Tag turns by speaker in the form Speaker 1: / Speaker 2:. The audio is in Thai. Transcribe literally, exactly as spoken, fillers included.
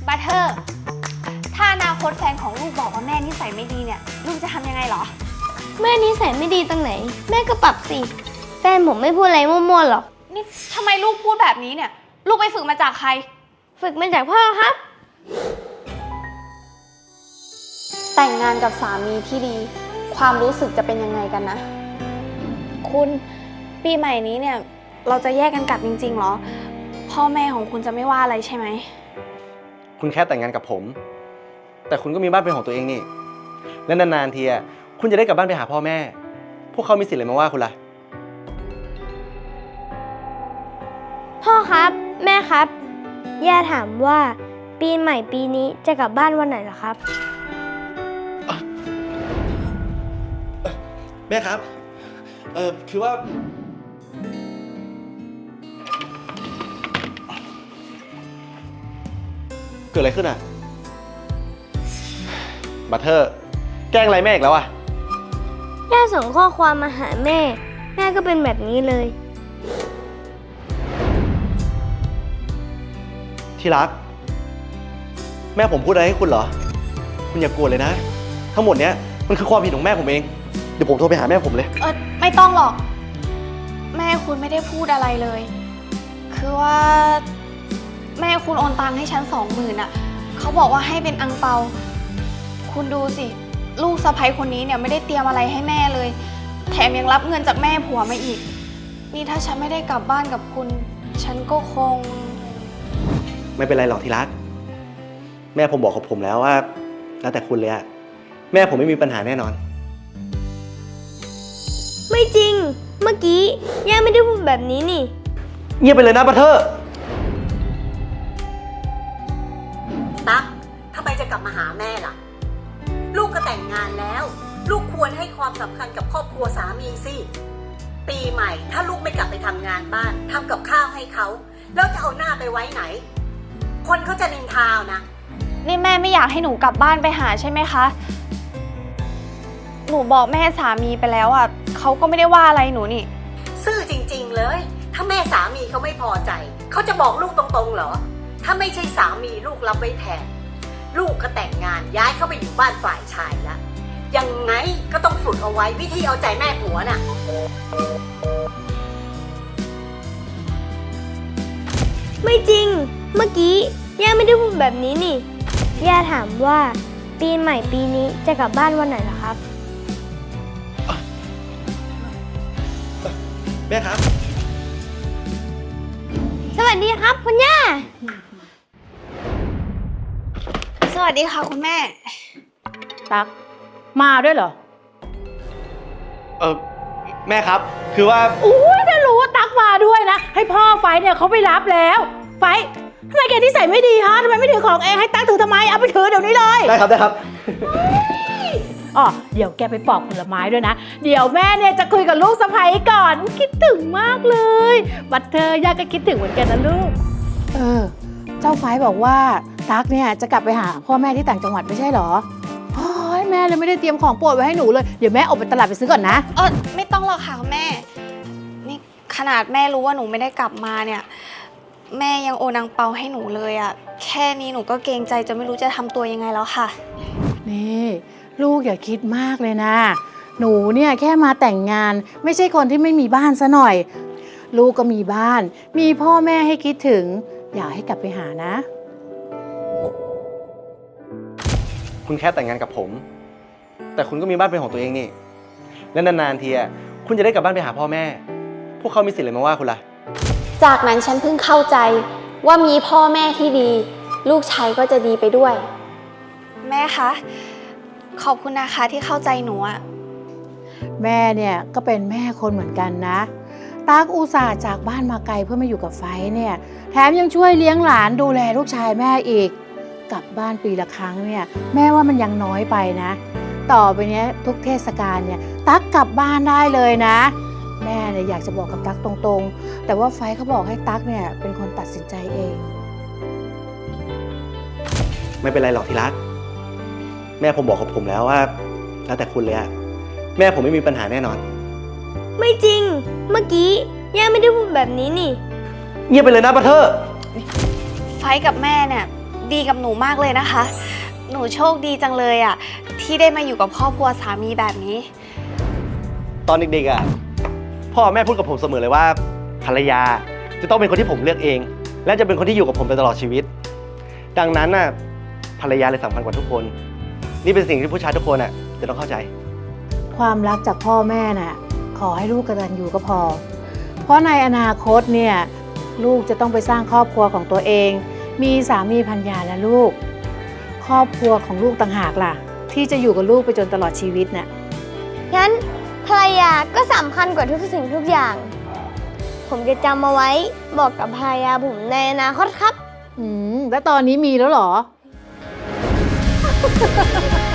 Speaker 1: บัตเทอร์ถ้าอนาคตแฟนของลูกบอกว่าแม่นิสัยไม่ดีเนี่ยลูกจะทำยังไงเหรอ
Speaker 2: แม่นิสัยไม่ดีตรงไหนแม่ก็ปรับสิแฟนผมไม่พูดอะไรมั่วๆหรอก
Speaker 1: นี่ทำไมลูกพูดแบบนี้เนี่ยลูกไปฝึกมาจากใคร
Speaker 2: ฝึกมาจากพ่อครับ
Speaker 1: แต่งงานกับสามีที่ดีความรู้สึกจะเป็นยังไงกันนะคุณปีใหม่นี้เนี่ยเราจะแยกกันกลับจริงๆเหรอพ่อแม่ของคุณจะไม่ว่าอะไรใช่ไหม
Speaker 3: คุณแค่แต่งงานกับผมแต่คุณก็มีบ้านเป็นของตัวเองนี่และนานๆทีอ่ะคุณจะได้กลับบ้านไปหาพ่อแม่พวกเขามีสิทธิ์อะไรมาว่าคุณล่ะ
Speaker 2: พ่อครับแม่ครับย่าถามว่าปีใหม่ปีนี้จะกลับบ้านวันไหนเหรอครับ
Speaker 3: แม่ครับเออคือว่าเกิดอะไรขึ้นอ่ะบัตเทอร์แกล้งอะไรแม่อีกแล้วอ่ะ
Speaker 2: ย่าส่งข้อความมาหาแม่แม่ก็เป็นแบบนี้เลย
Speaker 3: ที่รักแม่ผมพูดอะไรให้คุณเหรอคุณอย่ากลัวเลยนะทั้งหมดเนี้ยมันคือความผิดของแม่ผมเองเดี๋ยวผมโทรไปหาแม่ผมเลย
Speaker 1: เออไม่ต้องหรอกแม่คุณไม่ได้พูดอะไรเลยคือว่าแม่คุณโอนตังค์ให้ฉันสองหมื่นอ่ะเขาบอกว่าให้เป็นอังเปาคุณดูสิลูกสะใภ้คนนี้เนี่ยไม่ได้เตรียมอะไรให้แม่เลยแถมยังรับเงินจากแม่ผัวมาอีกนี่ถ้าฉันไม่ได้กลับบ้านกับคุณฉันก็คง
Speaker 3: ไม่เป็นไรหรอกที่รักแม่ผมบอกกับผมแล้วว่าแล้วแต่คุณเลยอะแม่ผมไม่มีปัญหาแน่นอน
Speaker 2: ไม่จริงเมื่อกี้ย่าไม่ได้พูดแบบนี้นี่
Speaker 3: เงียบไปเลยนะบัตเทอร์
Speaker 4: ตั๊กทำไมจะกลับมาหาแม่ล่ะลูกก็แต่งงานแล้วลูกควรให้ความสำคัญกับครอบครัวสามีสิปีใหม่ถ้าลูกไม่กลับไปทำงานบ้านทำกับข้าวให้เขาแล้วจะเอาหน้าไปไว้ไหนคนเขาจะนินทานะ
Speaker 1: นี่แม่ไม่อยากให้หนูกลับบ้านไปหาใช่ไหมคะหนูบอกแม่สามีไปแล้วอ่ะเขาก็ไม่ได้ว่าอะไรหนูนี่
Speaker 4: ซื่อจริงๆเลยถ้าแม่สามีเขาไม่พอใจเขาจะบอกลูกตรงๆเหรอถ้าไม่ใช่สามีลูกรับไว้แทนลูกก็แต่งงานย้ายเข้าไปอยู่บ้านฝ่ายชายแล้วยังไงก็ต้องฝึกเอาไว้วิธีเอาใจแม่ผัวน่ะ
Speaker 2: ไม่จริงเมื่อกี้ย่าไม่ได้พูดแบบนี้นี่ย่าถามว่าปีใหม่ปีนี้จะกลับบ้านวันไหนเหรอครับ
Speaker 3: แม่ครับ
Speaker 2: สวัสดีครับคุณย่า
Speaker 1: สวัสดีค่ะคุณแม่
Speaker 5: ตั๊กมาด้วยเหรอ
Speaker 3: เออแม่ครับคือว่า
Speaker 5: อุ้ยถ้ารู้ว่าตั๊กมาด้วยนะให้พ่อไฟเนี่ยเขาไปรับแล้วไฟทำไมแกนิสัยไม่ดีฮะทำไมไม่ถือของเองให้ตั๊กถือทำไมเอาไปถือเดี๋ยวนี้เลย
Speaker 3: ได้ครับได้ครับ
Speaker 5: อ๋อเดี๋ยวแกไปปอกผลไม้ด้วยนะเดี๋ยวแม่เนี่ยจะคุยกับลูกสะใภ้ก่อนคิดถึงมากเลยบัตเธอยากก็คิดถึงเหมือนกันนะลูกเออเจ้าไฟบอกว่าตั๊กเนี่ยจะกลับไปหาพ่อแม่ที่ต่างจังหวัดไม่ใช่หรอโอ้ยแม่เลยไม่ได้เตรียมของโปรดไว้ให้หนูเลยเดี๋ยวแม่ออกไปตลาดไปซื้อก่อนนะ
Speaker 1: เออไม่ต้องหรอกค่ะแม่นี่ขนาดแม่รู้ว่าหนูไม่ได้กลับมาเนี่ยแม่ยังโอนอังเปาให้หนูเลยอะแค่นี้หนูก็เกรงใจจนไม่รู้จะทำตัวยังไงแล้วค่ะ
Speaker 5: นี่ลูกอย่าคิดมากเลยนะหนูเนี่ยแค่มาแต่งงานไม่ใช่คนที่ไม่มีบ้านซะหน่อยลูกก็มีบ้านมีพ่อแม่ให้คิดถึงอยากให้กลับไปหานะ
Speaker 3: คุณแค่แต่งงานกับผมแต่คุณก็มีบ้านเป็นของตัวเองนี่และนานๆทีอ่ะคุณจะได้กลับบ้านไปหาพ่อแม่พวกเขามีสิทธิ์อะไรมาว่าคุณล่ะ
Speaker 1: จากนั้นฉันเพิ่งเข้าใจว่ามีพ่อแม่ที่ดีลูกชายก็จะดีไปด้วยแม่คะขอบคุณนะคะที่เข้าใจหนูอะ
Speaker 5: แม่เนี่ยก็เป็นแม่คนเหมือนกันนะตั๊กอุตส่าห์จากบ้านมาไกลเพื่อมาอยู่กับไฟเนี่ยแถมยังช่วยเลี้ยงหลานดูแลลูกชายแม่อีกกลับบ้านปีละครั้งเนี่ยแม่ว่ามันยังน้อยไปนะต่อไปเนี้ยทุกเทศกาลเนี่ยตั๊กกลับบ้านได้เลยนะแม่เนี่ยอยากจะบอกกับตั๊กตรงๆแต่ว่าไฟเขาบอกให้ตั๊กเนี่ยเป็นคนตัดสินใจเอง
Speaker 3: ไม่เป็นไรหรอกที่รักแม่ผมบอกกับผมแล้วว่าแล้วแต่คุณเลยอะแม่ผมไม่มีปัญหาแน่นอน
Speaker 2: ไม่จริงเมื่อกี้ย่าไม่ได้พูดแบบนี้นี่
Speaker 3: เงียบไปเลยนะบัตเทอร์
Speaker 1: ไฟกับแม่เนี่ยดีกับหนูมากเลยนะคะ หนูโชคดีจังเลยอะที่ได้มาอยู่กับครอบครัวสามีแบบนี้
Speaker 3: ตอนเด็กๆอ่ะพ่อแม่พูดกับผมเสมอเลยว่าภรรยาจะต้องเป็นคนที่ผมเลือกเอง และจะเป็นคนที่อยู่กับผมไปตลอดชีวิต ดังนั้นน่ะภรรยาเลยสำคัญกว่าทุกคน นี่เป็นสิ่งที่ผู้ชายทุกคนอ่ะจะต้องเข้าใจ
Speaker 5: ความรักจากพ่อแม่น่ะ ขอให้ลูกกตัญญูก็พอ เพราะในอนาคตเนี่ยลูกจะต้องไปสร้างครอบครัวของตัวเอง มีสามีภรรยาและลูก ครอบครัวของลูกต่างหากล่ะ ที่จะอยู่กับลูกไปจนตลอดชีวิตน่ะ
Speaker 2: งั้นภรรยาก็สำคัญกว่าทุกสิ่งทุกอย่าง ผมจะจำเอาไว้บอกกับภรรยาผมในอนาคตครับ
Speaker 5: อืมแล้วตอนนี้มีแล้วเหรอ